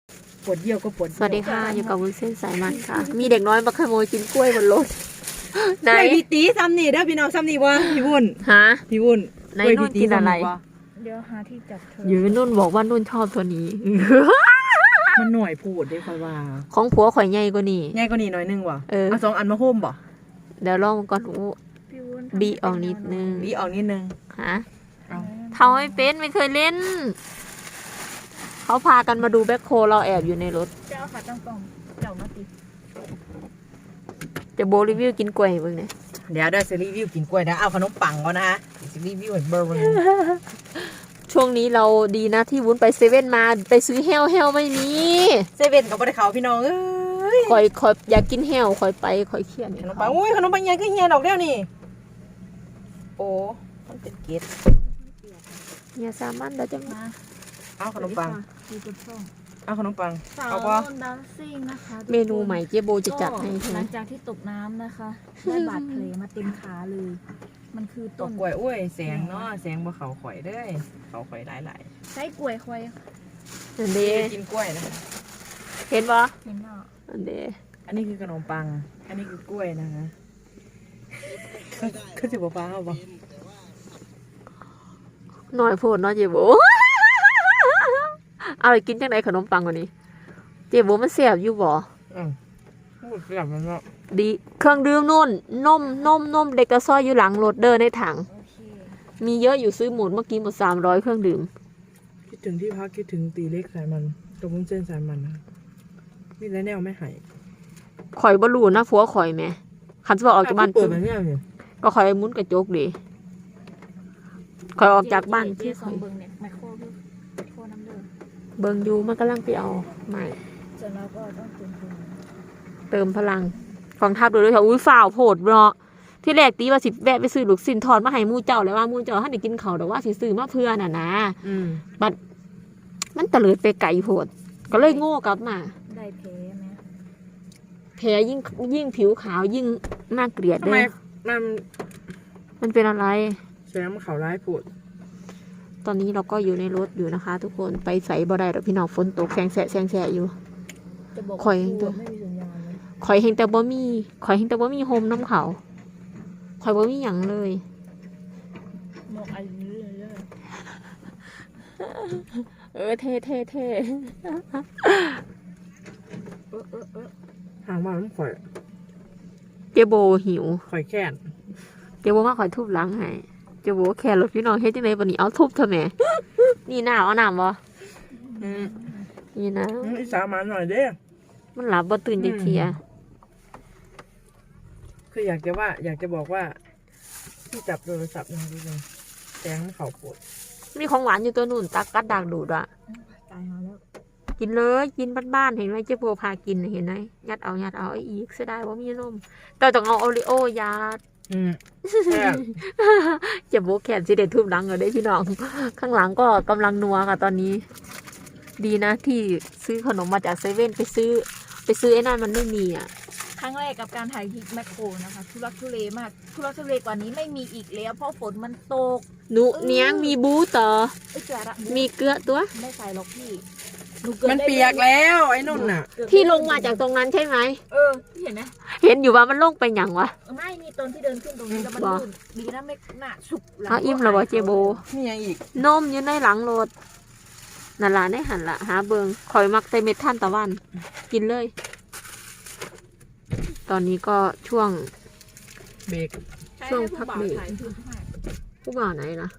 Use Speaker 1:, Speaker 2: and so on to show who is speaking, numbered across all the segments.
Speaker 1: ปวดเยี่ยวก็ปวด
Speaker 2: สวัสดีค่ะอยู่กับวุ้นเส้นสายมันค่ะ มีเด็กน้อยมาขโมยกินกล้วยบนรถไหน
Speaker 1: กล้วยพี่ตีซ้ำนี่เด้อพี่น้องซ้ำนี่วะพี่วุ่น
Speaker 2: ฮะ
Speaker 1: พี่วุ่น
Speaker 2: ไหนนุ่นกินอะไร
Speaker 3: เดี๋ยวหาที่จับเธอ
Speaker 2: อยู่นุ่นบอกว่านุ่นชอบตัวนี้
Speaker 1: มันหน่อยพูดได้ค่อยว่า
Speaker 2: ของผัวข่อยใหญ่กว่านี่
Speaker 1: ง่ายกว่านี้หน่อยนึงว่ะ
Speaker 2: เอา
Speaker 1: 2 อันมาโฮมบ่
Speaker 2: เดี๋ยวลองก่อนอู้
Speaker 3: พี่วุ้น
Speaker 2: บีออกนิดนึง
Speaker 1: บีออกนิดนึง
Speaker 2: ฮะ
Speaker 1: เอา
Speaker 2: เทาไม่เป็นไม่เคยเล่น เขาพากันมาดูแบ็คโคเราแอบอยู่ในรถ
Speaker 3: เจ้าขาตั้งกล่องเจ้ามาติ
Speaker 2: จะโบรีวิวกินกล้วยให้เบิ่งเนี่ย
Speaker 1: เดี๋ยวได้จะรีวิวกินกล้วยนะเอาขนมปังก่อนนะฮะจะรีวิวให้เบอร์
Speaker 2: ช่วงนี้เราดีนะที่วุ้นไปเซเว่นมาไปซื้อแฮวไม่มี
Speaker 1: เซเว่นกับบ่ได้เขาพี่น้องเอ้ย
Speaker 2: คอยอยากกินแฮวคอยไปคอยเครียด
Speaker 1: ขนมปังอุ้ยขนมปังใหญ่ก็เฮียดอกเดียวนี่โอ้มันเป็นเกล็ด
Speaker 2: อย่าสามันเราจะมา
Speaker 1: เอาขนมปัง
Speaker 3: ดูกระช่อง
Speaker 1: เอาขนมปัง
Speaker 3: สาว
Speaker 1: เอา
Speaker 3: น
Speaker 1: ปะ
Speaker 3: นดันซิ่งนะคะทุกคน
Speaker 2: เมนูใหม่เจ๊โบจะจัดให้ใช่
Speaker 3: ห
Speaker 2: ไหม
Speaker 3: ลังจากที่ตกน้ำนะคะได้บาดแผลมาเต็มขาเลย มันคือ
Speaker 1: ต
Speaker 3: ต้
Speaker 1: ก
Speaker 3: น
Speaker 1: กล้วยอุ้ยแสงเนาะแสงบ่เขาข่อยเด้ยเขาข่อยหลาย
Speaker 3: ใช้กล้วยควาย
Speaker 2: อัน
Speaker 1: ๆ
Speaker 2: เด
Speaker 1: กินกล้วยนะ
Speaker 2: เห็นปะ
Speaker 3: เห็นเนาะ
Speaker 2: อันเด
Speaker 1: อันนี้คือขนมปัง อันนี้คือกล้วยนะฮะคือสิบ่ฟ้าเอาบ่
Speaker 2: หน่อยโพดเนาะเจ๊โบ เอาไปกินจังไหนขนมปังกว่านี้ เจ๊โบมันแซ่บอยู่บ่
Speaker 1: พูดแบบนั้นเนาะ
Speaker 2: ดีเครื่องดื่มนุ่นนมเด็กกระซ้อยอยู่หลังรถเดินในถัง
Speaker 3: โอเค
Speaker 2: มีเยอะอยู่ซื้อหมดเมื่อกี้หมด300เครื่องดื่ม
Speaker 1: คิดถึงที่พักคิดถึงตีเล็กสายมันตรงมุ้งเส้นสายมันนะมีแล้วแนวไม่หาย
Speaker 2: ข่อยบ่รู้นะผัวข่อยแหม่คันสิบอกออกจากบ้าน
Speaker 1: เปิดแบบนี้เลย
Speaker 2: ก็ข่อยมุนกระจกดิข่อยออกจากบ้าน
Speaker 3: เจ๊
Speaker 2: ที่
Speaker 3: ส
Speaker 2: ข่
Speaker 3: อ
Speaker 2: อง ย
Speaker 3: เบิ้งเนี่ยไมโครพี่ไมโครน้ำเดือด
Speaker 2: เบิ่งอยู่มันกำลังไปเอาใหม่
Speaker 3: เสร็จแล้วก็ต้องเติม
Speaker 2: เติมพลังกองทัพดูด้วยค่ะอุ้ยฝ่าวโพดเนาะที่แรกตีว่าสิแวะไปซื้อลูกชิ้นทอดมาให้หมู่เจ้าแล้วว่าหมู่เจ้าท่านได้กินเขาวแต่ว่าสิซื้อมาเพื่อน่ะนะ บัดมันตะเลิดไปไกลโพดก็เลยโง่กลับมา
Speaker 3: ได้แผลไหม
Speaker 2: แผลยิ่งผิวขาวยิ่งน่าเกลียด
Speaker 1: ทำไม
Speaker 2: เลย มันเป็นอะไร
Speaker 1: แสงมันเขาร้ายปวด
Speaker 2: ตอนนี้เราก็อยู่ในรถอยู่นะคะ ทุกคนไปใส่บ่ได้ดอกพี่น้องฝนตกแซงแสะอยู่
Speaker 3: จะบอก
Speaker 2: ข่อย
Speaker 3: ว่า
Speaker 2: ตัว
Speaker 3: ไม่มีสัญญาณเลย
Speaker 2: ข่อยเห็นแต่บ่มีโฮมน้ำเขาข่อยบ่มีหยังเลย
Speaker 3: หมอกอายุเลย
Speaker 2: เท่
Speaker 1: ห่างมาต้องข่อย
Speaker 2: เจโบหิว
Speaker 1: ข่อยแค้น
Speaker 2: เจโบมาข่อยทุบหลังให้เจโบแค่รถพี่น้องเฮ็ดจังได๋บัดนี้เอาทุบเถอะแหม่นี่น้าเอาน้ำบ่นี่นะ
Speaker 1: อีสามันหน่อยเด้
Speaker 2: มันหลับบ่ตื่นจักเที่ย
Speaker 1: คืออยากจะบอกว่าที่จับโทรศัพท์นะทุกคนแสงมันเขาปวด
Speaker 2: มีของหวานอยู่ตัวนู่นตักกัดดากดูดอ่ะ
Speaker 3: ตายมาแล้ว
Speaker 2: กินเลยกินบ้านๆเห็นไหมเจ๊โบพากินเห็นไหมยัดเอาไอ้อีกเสียดายว่ามีนมแต่ต้องเอาโอริโอยาด
Speaker 1: แซ่บ
Speaker 2: เจ๊โบแขนสิเด็ดทุบหลังเลยได้พี่น้อง ข้างหลังก็กำลังนัวค่ะตอนนี้ ดีนะที่ซื้อขนมมาจากเซเว่นไปซื้อไอ้นั่นมันไม่มีอ่ะ
Speaker 3: ครั้งแรกกับการถ่ายคลิปแมคโครนะคะทุลักทุเลมากทุลักทุเลกว่านี้ไม่มีอีกแล้วเพราะฝนมันตก
Speaker 2: หนูเนี้ยงมีบูต่อ
Speaker 3: ไอ้ยเจ๋อละ
Speaker 2: มีเกลือตัว
Speaker 3: ไม่ใส่หรอกพี่
Speaker 1: มันเปียกแล้วไอ้นุ่นน่ะ
Speaker 2: ที่ลงมาจากตรงนั้นใช่ไหม
Speaker 3: พี่เห็นไหม
Speaker 2: เห็นอยู่ว่ามันลงไปหยังวะ
Speaker 3: ไม่มีตอนที่เดินขึ้นตรงนี้แล้วมัน
Speaker 2: บ่
Speaker 3: ลื่นดีนะไม่น่าสุกหลัง
Speaker 2: เอาอิ่มแล้วบ่เจ๊โบ
Speaker 1: นี่ยังอีก
Speaker 2: นมอยู่ในหลังรถนั่นล่ะในหันละหาเบิงคอยมักใส่เม็ดท่านตะวัน กินเลย ตอนนี้ก็ช่วง
Speaker 1: เบรก
Speaker 2: ช่วงพักเบรก
Speaker 3: ถ่ายคลิปให้
Speaker 2: ผู้บ่าวไหนล่ะ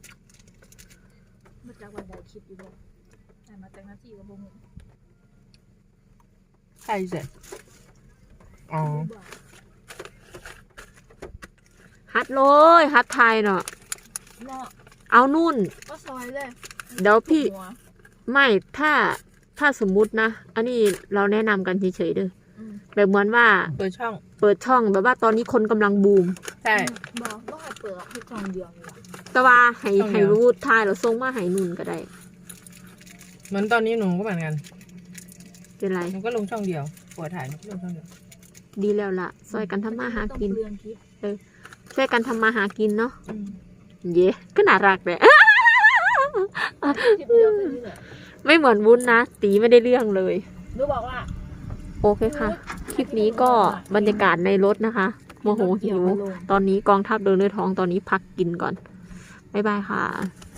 Speaker 3: เมื่อจากวันใดคลิปอยู่ด้วยถ่ายมาจากหน้าที่กับวง
Speaker 1: ใครเสร็จอ๋อ
Speaker 2: ฮัดเลยฮัดไทยเนาะ
Speaker 3: เนาะ
Speaker 2: เอานุ่น
Speaker 3: ก็ซอยเลย
Speaker 2: เดี๋ยวพี่
Speaker 3: หัว
Speaker 2: ไม่ถ้าสมมุตินะ อันนี้เราแนะนำกันเฉยๆเด้อ
Speaker 3: อืม
Speaker 2: แบบเหมือนว่า
Speaker 1: เปิดช่อง
Speaker 2: เปิดช่องแบบว่าตอนนี้คนกำลังบูม
Speaker 1: ใช่
Speaker 3: บอกว่าให้เปิดให้ช่องเดียวเลย
Speaker 2: แต่ว่าให้
Speaker 1: ช่องเดียว
Speaker 2: รู้ทายเราส่งมาให้นุ่นก็ได้
Speaker 1: เหมือนตอนนี้หนูก็เหมือนกัน
Speaker 2: เป็นไร
Speaker 1: หนูก็ลงช่องเดียวปวดถ่ายหนูก็ลงช่องเดียว
Speaker 2: ดีแล้วล่ะซอยกันทำมาหากิน
Speaker 3: ต้องเปลืองคลิป
Speaker 2: ช่วยกันทำมาหากินเนาะ
Speaker 1: อืม
Speaker 2: เย้ก็น่ารักเลย
Speaker 3: คลิปเดียวแค่นี้แหละ
Speaker 2: ไม่เหมือนวุ้นนะตีไม่ได้เรื่องเลย
Speaker 3: หนูบอกว่า
Speaker 2: โอเคค่ะ คลิปนี้ก็บรรยากาศในรถนะคะโมโหหิว ตอนนี้กองทัพเดินด้วยท้องตอนนี้พักกินก่อน บ๊ายบายค่ะ